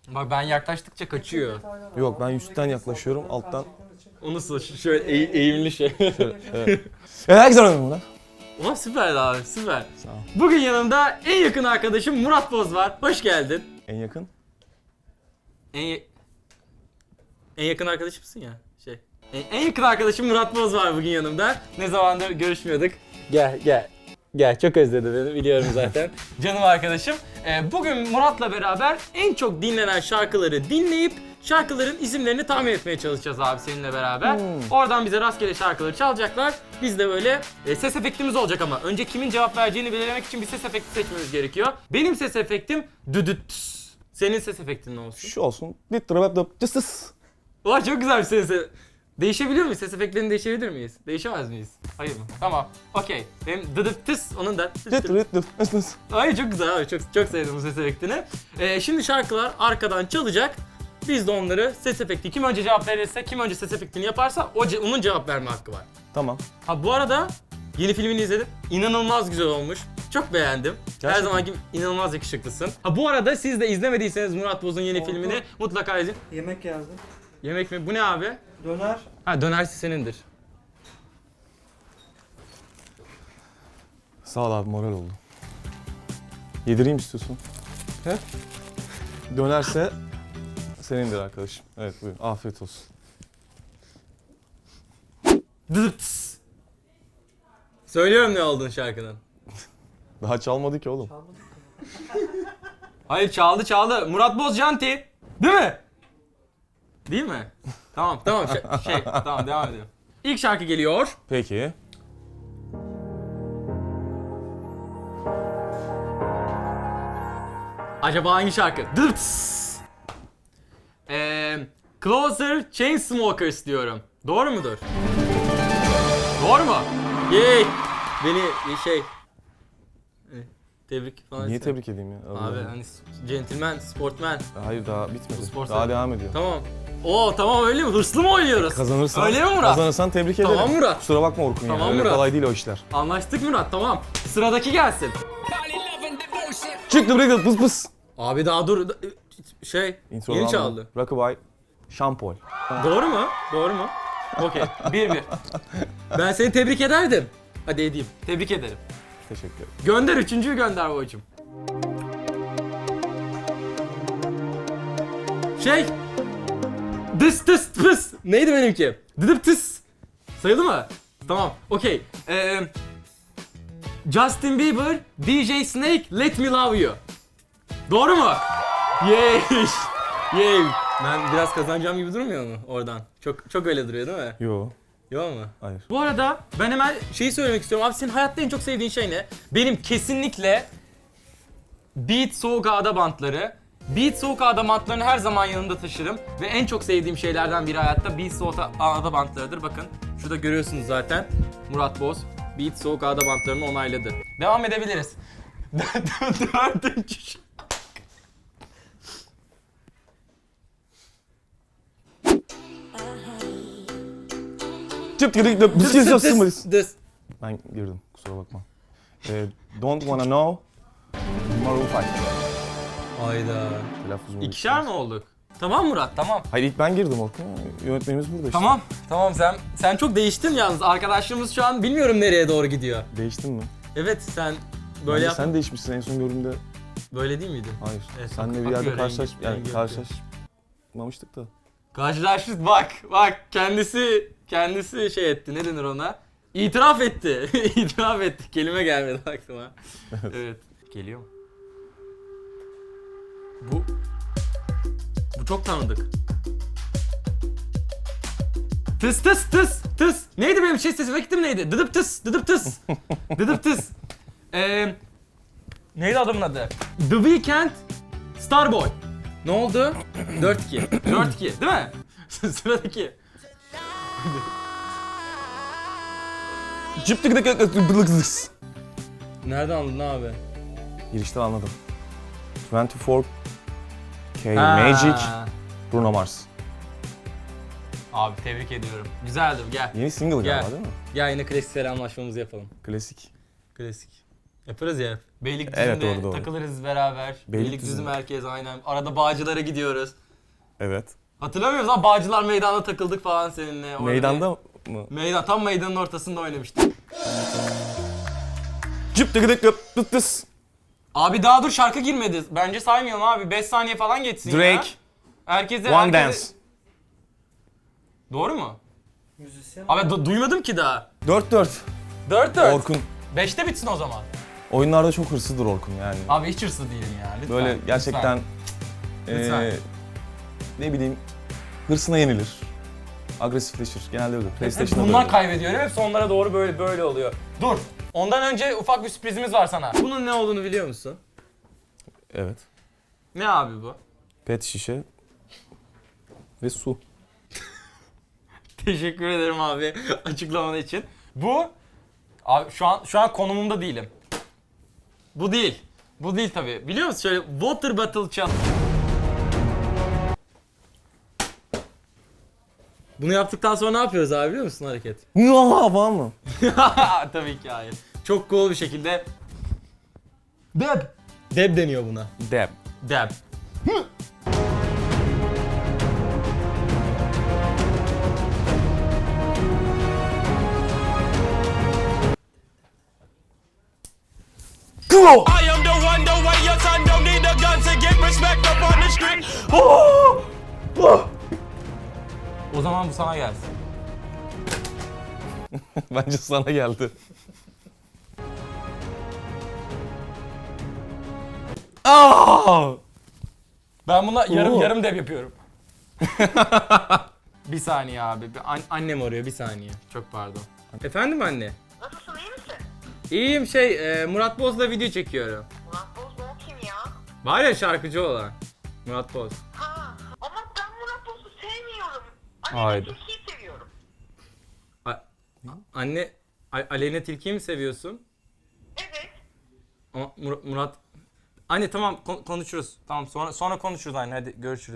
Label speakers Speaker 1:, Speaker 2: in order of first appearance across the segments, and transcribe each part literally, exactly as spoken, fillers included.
Speaker 1: Bak ben yaklaştıkça kaçıyor.
Speaker 2: Yok ben üstten yaklaşıyorum alttan.
Speaker 1: O nasıl? Şöyle eğ- eğimli şey.
Speaker 2: Evet. Herkese güzel oynadım bunu.
Speaker 1: Oha süper abi süper.
Speaker 2: Sağ ol.
Speaker 1: Bugün yanımda en yakın arkadaşım Murat Boz var. Hoş geldin.
Speaker 2: En yakın.
Speaker 1: En, ya- en yakın arkadaşımsın ya. Şey. En, en yakın arkadaşım Murat Boz var bugün yanımda. Ne zamandır görüşmüyorduk. Gel gel. Gel çok özledi beni biliyorum zaten. Canım arkadaşım. Ee, bugün Murat'la beraber en çok dinlenen şarkıları dinleyip şarkıların isimlerini tahmin etmeye çalışacağız abi seninle beraber.
Speaker 2: Hmm.
Speaker 1: Oradan bize rastgele şarkıları çalacaklar. Biz de böyle e, ses efektimiz olacak ama önce kimin cevap vereceğini belirlemek için bir ses efekti seçmemiz gerekiyor. Benim ses efektim düdüt. Senin ses efektin ne olsun?
Speaker 2: Şu olsun. Dit drop dop cısıs.
Speaker 1: Vay çok güzel bir ses. Değişebiliyor muyuz? Ses efektlerini değişebilir miyiz? Değişemez miyiz? Hayır mı? Tamam. Okey. Benim dıdıp tıs onun da.
Speaker 2: Dit rit dop cısıs.
Speaker 1: Ay çok güzel abi. Çok çok sevdim bu ses efektini. Ee, şimdi şarkılar arkadan çalacak. Biz de onları ses efekti kim önce cevap verirse, kim önce ses efektini yaparsa o ce- onun cevap verme hakkı var.
Speaker 2: Tamam.
Speaker 1: Ha bu arada yeni filmini izledim. İnanılmaz güzel olmuş. Çok beğendim. Her
Speaker 2: Gerçekten.
Speaker 1: zamanki inanılmaz yakışıklısın. Ha bu arada siz de izlemediyseniz Murat Boz'un yeni
Speaker 3: Oldu.
Speaker 1: filmini mutlaka izleyin.
Speaker 3: Yemek yazdım.
Speaker 1: Yemek mi? Bu ne abi?
Speaker 3: Döner.
Speaker 1: Ha dönersi senindir.
Speaker 2: Sağ ol abi moral oldu. Yedireyim istiyorsun. He? Dönerse senindir arkadaşım. Evet buyurun. Afiyet olsun.
Speaker 1: Dıdıps. Söylüyorum ne olduğunu şarkının.
Speaker 2: Daha çalmadı ki oğlum.
Speaker 3: Çalmadık mı?
Speaker 1: Hayır çaldı çaldı. Murat Boz Janti. Değil mi? Değil mi? Tamam tamam şey, şey tamam devam edelim. İlk şarkı geliyor.
Speaker 2: Peki.
Speaker 1: Acaba hangi şarkı? Dıps. Ee, Closer Chainsmokers diyorum. Doğru mudur? Doğru mu? Yay! Beni şey... e, Tebrik falan
Speaker 2: Niye
Speaker 1: istedim.
Speaker 2: tebrik edeyim ya? Allah
Speaker 1: Abi
Speaker 2: Allah.
Speaker 1: hani gentleman, sportman.
Speaker 2: Hayır daha bitmedi.
Speaker 1: Bu spor
Speaker 2: Daha
Speaker 1: sen-
Speaker 2: devam ediyor.
Speaker 1: Tamam. Oo tamam öyle mi? Hırslı mı oynuyoruz?
Speaker 2: Kazanırsan,
Speaker 1: Öyle mi Murat?
Speaker 2: Kazanırsan tebrik ederim.
Speaker 1: Tamam Murat.
Speaker 2: Kusura bakma Orkun
Speaker 1: Tamam
Speaker 2: ya. Öyle
Speaker 1: Murat.
Speaker 2: kolay değil o işler.
Speaker 1: Anlaştık Murat tamam. Sıradaki gelsin.
Speaker 2: Çıktı buraya pıs pıs.
Speaker 1: Abi daha dur. Şey
Speaker 2: Intro'dan
Speaker 1: yeni
Speaker 2: aldım.
Speaker 1: çaldı.
Speaker 2: Rockabye, Şampol.
Speaker 1: Doğru mu? Doğru mu? Okey. Bir bir. Ben seni tebrik ederdim. Hadi edeyim. Tebrik ederim.
Speaker 2: Teşekkür ederim.
Speaker 1: Gönder üçüncüyü gönder babacım. Şey. Dıs tıs tıs. Neydi benimki? Dıdıp tıs. Sayıldı mı? Tamam. Okey. Ee, Justin Bieber, D J Snake, Let Me Love You. Doğru mu? Yay. Yay. Ben biraz kazanacağım gibi durmuyor mu oradan? Çok çok öyle duruyor değil mi?
Speaker 2: Yo,
Speaker 1: Yok mu?
Speaker 2: hayır.
Speaker 1: Bu arada ben hemen şeyi söylemek istiyorum. Abi senin hayatta en çok sevdiğin şey ne? Benim kesinlikle Beat Soğuk Ağda bantları. Beat Soğuk Ağda bantlarını her zaman yanımda taşırım. Ve en çok sevdiğim şeylerden biri hayatta Beat Soğuk Ağda bantlarıdır. Bakın şurada görüyorsunuz zaten. Murat Boz Beat Soğuk Ağda bantlarını onayladı. Devam edebiliriz. Dördüncü şarkı.
Speaker 2: Çıp çıp çıp
Speaker 1: Dıs,
Speaker 2: çıp
Speaker 1: dıs,
Speaker 2: çıp
Speaker 1: dıs,
Speaker 2: çıp.
Speaker 1: dıs.
Speaker 2: Ben girdim kusura bakma. Ee, don't wanna know. Maroon five.
Speaker 1: Hayda.
Speaker 2: Telaffuzumu
Speaker 1: İkişer mi olduk? Tamam Murat tamam.
Speaker 2: Hayır ilk ben girdim Orkun. Yönetmenimiz burada işte.
Speaker 1: Tamam. Tamam sen sen çok değiştin yalnız. Arkadaşlığımız şu an bilmiyorum nereye doğru gidiyor.
Speaker 2: Değiştin mi?
Speaker 1: Evet sen
Speaker 2: Bence
Speaker 1: böyle yap.
Speaker 2: sen değişmişsin en son gördüğümde.
Speaker 1: Böyle değil miydin?
Speaker 2: Hayır.
Speaker 1: Evet,
Speaker 2: Senle bir
Speaker 1: akıyor
Speaker 2: yerde
Speaker 1: rengi,
Speaker 2: karşılaş... Yani
Speaker 1: rengi
Speaker 2: karşılaşmamıştık da.
Speaker 1: Karşılaştık bak bak kendisi kendisi şey etti ne denir ona? İtiraf etti. İtiraf etti. Kelime gelmedi aklıma. Evet. Geliyor mu? Bu Bu çok tanıdık. Tıs tıs tıs tıs. Neydi benim şey sesim efektim neydi? Dıdıp tıs dıdıp tıs. Dıdıp tıs. Eee Neydi adamın adı? The Weeknd, Starboy. Ne oldu? dört iki. dört iki değil mi? Sıradaki.
Speaker 2: Çıp tık tık tık tık tık tık.
Speaker 1: Nereden anladın abi?
Speaker 2: Girişten anladım. yirmi dört K
Speaker 1: Ha.
Speaker 2: Magic, Bruno Mars.
Speaker 1: Abi tebrik ediyorum. Güzeldi gel.
Speaker 2: Yeni single
Speaker 1: Gel.
Speaker 2: galiba değil mi?
Speaker 1: Gel yine klasik selamlaşmamızı yapalım.
Speaker 2: Klasik.
Speaker 1: Klasik. Yaparız ya. Beylikdüzü'nde
Speaker 2: Evet, doğru, doğru.
Speaker 1: takılırız beraber.
Speaker 2: Beylikdüzü
Speaker 1: Beylikdüzü
Speaker 2: mü?
Speaker 1: merkez aynen. Arada Bağcılar'a gidiyoruz.
Speaker 2: Evet.
Speaker 1: Hatırlamıyor musun? Bağcılar meydanda takıldık falan seninle. Orada
Speaker 2: Meydanda
Speaker 1: bir-
Speaker 2: mı?
Speaker 1: Meydan, tam meydanın ortasında oynamıştık.
Speaker 2: Cıp tıkıdık dıp dıt dıs.
Speaker 1: Abi daha dur, şarkı girmedi. Bence saymayalım abi. beş saniye falan geçsin ya.
Speaker 2: Drake.
Speaker 1: Herkese,
Speaker 2: One
Speaker 1: herkese...
Speaker 2: Dance.
Speaker 3: Doğru mu?
Speaker 1: Müzisyen.
Speaker 3: Abi du- duymadım ki daha.
Speaker 2: dört dört.
Speaker 1: dört dört.
Speaker 2: Orkun.
Speaker 3: beşte bitsin o zaman.
Speaker 2: Oyunlarda çok hırslıdır Orkun yani.
Speaker 3: Abi hiç hırslı değilim ya. Lütfen.
Speaker 2: Böyle gerçekten
Speaker 3: Lütfen.
Speaker 2: eee, ne bileyim hırsına yenilir. Agresifleşir. Genelde öyle.
Speaker 3: Hep
Speaker 2: PlayStation'da da
Speaker 3: bundan
Speaker 2: öyle.
Speaker 3: kaybediyorum. Hep sonlara doğru böyle böyle oluyor. Dur. Ondan önce ufak bir sürprizimiz var sana.
Speaker 1: Bunun ne olduğunu biliyor musun?
Speaker 2: Evet.
Speaker 1: Ne abi bu?
Speaker 2: Pet şişe ve su.
Speaker 1: Teşekkür ederim abi açıklaman için.
Speaker 3: Bu abi şu an şu an konumumda değilim.
Speaker 1: Bu değil. Bu değil tabii. Biliyor musun şöyle water bottle çal. Bunu yaptıktan sonra ne yapıyoruz abi biliyor musun hareket?
Speaker 2: Muah falan mı?
Speaker 1: Tabii ki hayır. Çok cool bir şekilde deb. Deb deniyor buna.
Speaker 2: Dab.
Speaker 1: Deb.
Speaker 4: I am the one, the way your son don't need a gun to get respect up on the street.
Speaker 3: O zaman bu sana gelsin.
Speaker 2: Bence sana geldi. Aa!
Speaker 3: Ben buna yarım
Speaker 2: Oo.
Speaker 3: yarım deb yapıyorum.
Speaker 1: Bir saniye abi. Bir an- annem arıyor bir saniye. Çok pardon. Efendim anne?
Speaker 5: Nasılsın, iyi misin?
Speaker 1: İyiyim şey e, Murat Boz'la video çekiyorum.
Speaker 5: Murat Boz mu, o kim ya?
Speaker 1: Var ya şarkıcı olan. Murat Boz.
Speaker 5: Ha, ama ben Murat Boz'u sevmiyorum.
Speaker 1: Haydi.
Speaker 5: Anne Tilki'yi seviyorum.
Speaker 1: A- anne A- Aleyna Tilki'yi mi seviyorsun?
Speaker 5: Evet.
Speaker 1: Ama Mur- Murat... Anne tamam kon- konuşuruz. Tamam sonra sonra konuşuruz anne hadi görüşürüz.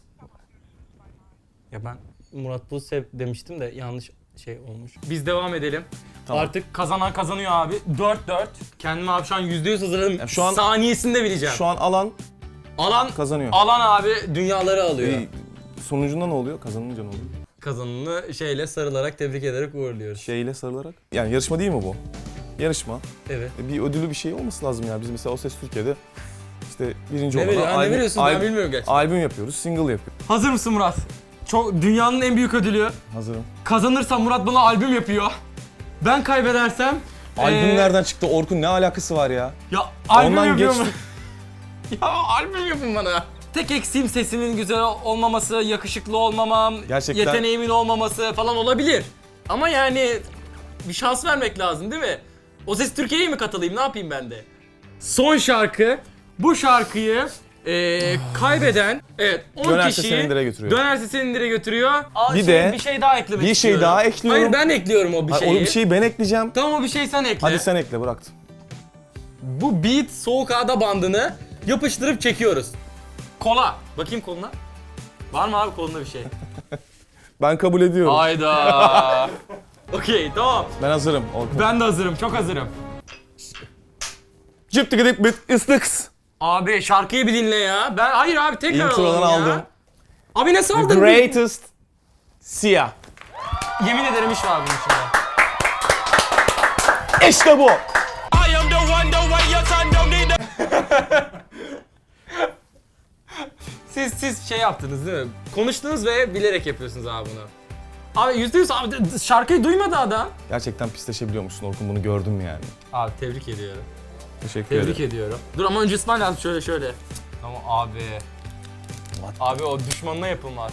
Speaker 1: Ya ben Murat Boz sev demiştim de yanlış şey olmuş. Biz devam edelim.
Speaker 2: Tamam.
Speaker 1: Artık kazanan kazanıyor abi. dört dört. Kendimi abi şu an yüzde yüz hazırladım.
Speaker 2: Ya şu an-
Speaker 1: saniyesinde bileceğim.
Speaker 2: Şu an alan
Speaker 1: Alan
Speaker 2: kazanıyor.
Speaker 1: alan abi dünyaları alıyor.
Speaker 2: Ee, sonucunda ne oluyor? Kazanınca ne oluyor?
Speaker 1: Kazananı şeyle sarılarak tebrik ederek uğurluyoruz.
Speaker 2: Şeyle sarılarak. Yani yarışma değil mi bu? Yarışma.
Speaker 1: Evet.
Speaker 2: E, Bir ödülü bir şey olması lazım ya. Biz mesela O Ses Türkiye'de işte birinci
Speaker 1: Ne,
Speaker 2: olana
Speaker 1: veriyor, ha, ne
Speaker 2: albüm,
Speaker 1: veriyorsun ben
Speaker 2: albüm,
Speaker 1: bilmiyorum gerçekten.
Speaker 2: albüm yapıyoruz, single yapıyoruz.
Speaker 1: Hazır mısın Murat? Çok dünyanın en büyük ödülü.
Speaker 2: Hazırım.
Speaker 1: Kazanırsam Murat bana albüm yapıyor. Ben kaybedersem
Speaker 2: Albüm
Speaker 1: ee,
Speaker 2: nereden çıktı? Orkun ne alakası var ya?
Speaker 1: Ya albüm
Speaker 2: Ondan
Speaker 1: yapıyor mu?
Speaker 2: geçtik.
Speaker 1: Ya albüm yapın bana. Tek eksiğim sesimin güzel olmaması, yakışıklı olmamam,
Speaker 2: Gerçekten-
Speaker 1: yeteneğimin olmaması falan olabilir. Ama yani bir şans vermek lazım değil mi? O Ses Türkiye'ye mi katılayım, ne yapayım ben de? Son şarkı. Bu şarkıyı eee, kaybeden, evet on
Speaker 2: Dönerse
Speaker 1: kişiyi
Speaker 2: Senindire götürüyor.
Speaker 1: Dönerse Senindire götürüyor. Aa,
Speaker 2: Bir
Speaker 1: şey,
Speaker 2: de-
Speaker 1: bir şey daha eklemek
Speaker 2: bir şey
Speaker 1: istiyorum.
Speaker 2: daha ekliyorum.
Speaker 1: Hayır ben ekliyorum o bir
Speaker 2: Hayır,
Speaker 1: şeyi.
Speaker 2: onu bir şeyi ben ekleyeceğim.
Speaker 1: Tamam o bir şey sen ekle.
Speaker 2: Hadi sen ekle, bıraktım.
Speaker 1: Bu Beat Soğuk Ağda bandını yapıştırıp çekiyoruz. Kola. Bakayım koluna. Var mı abi kolunda bir şey?
Speaker 2: Ben kabul ediyorum.
Speaker 1: Hayda. Okey tamam.
Speaker 2: Ben hazırım Orkun.
Speaker 1: Ben de hazırım. Çok hazırım.
Speaker 2: Cıp tıkıdık bit ıslıks.
Speaker 1: Abi şarkıyı bir dinle ya. Ben hayır abi tekrar
Speaker 2: Introdan
Speaker 1: alalım ya.
Speaker 2: aldım.
Speaker 1: Abi ne
Speaker 2: The
Speaker 1: saldın?
Speaker 2: greatest siyah.
Speaker 1: Yemin ederim iş var bunun içinde.
Speaker 2: İşte bu.
Speaker 4: I am the one, the way your son don't need a
Speaker 1: Siz siz şey yaptınız değil mi? Konuştunuz ve bilerek yapıyorsunuz abi bunu. Abi yüzde yüz abi d- d- şarkıyı duymadı adam.
Speaker 2: Gerçekten pisleşebiliyormuşsun Orkun, bunu gördüm yani.
Speaker 1: Abi tebrik ediyorum.
Speaker 2: Teşekkür
Speaker 1: Tebrik
Speaker 2: ederim.
Speaker 1: ediyorum. Dur ama önce ısmarla lazım şöyle şöyle. Tamam abi. Abi o düşmanına yapılmaz.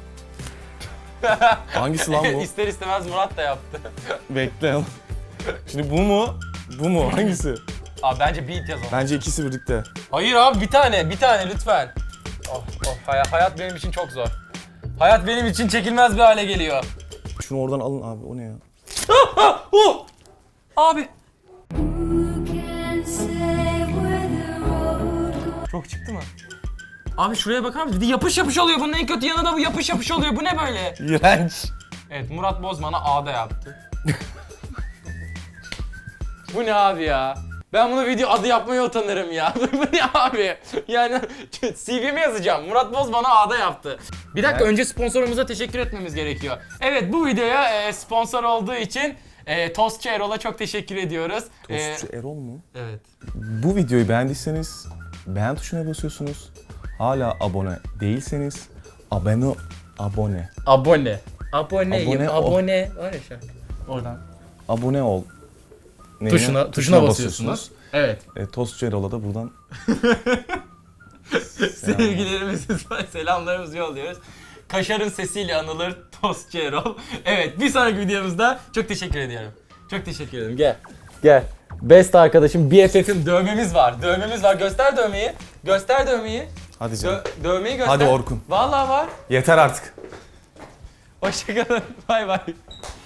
Speaker 2: Hangisi lan bu?
Speaker 1: İster istemez Murat da yaptı.
Speaker 2: Bekle. Şimdi bu mu? Bu mu? Hangisi?
Speaker 1: Abi bence beat yazalım.
Speaker 2: Bence ikisi birlikte.
Speaker 1: Hayır abi bir tane, bir tane lütfen. Oh, oh, hay- hayat benim için çok zor. Hayat benim için çekilmez bir hale geliyor.
Speaker 2: Şunu oradan alın abi, o ne ya?
Speaker 1: Oh! Abi. Çok çıktı mı? Abi şuraya bakar mısın? Bir de yapış yapış oluyor. Bunun en kötü yanı da bu yapış yapış oluyor. Bu ne böyle?
Speaker 2: İğrenç.
Speaker 1: Evet Murat Bozman'a A'da yaptı. Bu ne abi ya?
Speaker 3: Ben bunu video adı yapmaya utanırım ya. Bu ne abi? Yani C V'me yazacağım. Murat Boz bana A'da yaptı.
Speaker 1: Bir dakika, önce sponsorumuza teşekkür etmemiz gerekiyor. Evet, bu videoya e, sponsor olduğu için e, Tostçu Erol'a çok teşekkür ediyoruz. E,
Speaker 2: Tostçu Erol mu?
Speaker 1: evet.
Speaker 2: Bu videoyu beğendiyseniz beğen tuşuna basıyorsunuz. Hala abone değilseniz abone abone
Speaker 1: Abone. Aboneyim,
Speaker 2: Abone ol.
Speaker 1: abone. Var ya şarkı. Oradan.
Speaker 2: abone ol neyine?
Speaker 1: Tuşuna, tuşuna basıyorsunuz. Evet.
Speaker 2: E, Tostçu Erol'a da buradan
Speaker 1: Sevgilerimizi, selamlarımızı yolluyoruz. Kaşarın sesiyle anılır Tostçu Erol. Evet, bir sonraki videomuzda çok teşekkür ediyorum. Çok teşekkür ederim. Gel. Gel. Best arkadaşım, B F F'im, dövmemiz var. Dövmemiz var. Göster dövmeyi. Göster dövmeyi.
Speaker 2: hadi canım.
Speaker 1: Dö- dövmeyi göster.
Speaker 2: Hadi Orkun.
Speaker 1: Vallahi var.
Speaker 2: Yeter artık.
Speaker 1: Hoşçakalın. Bay bay.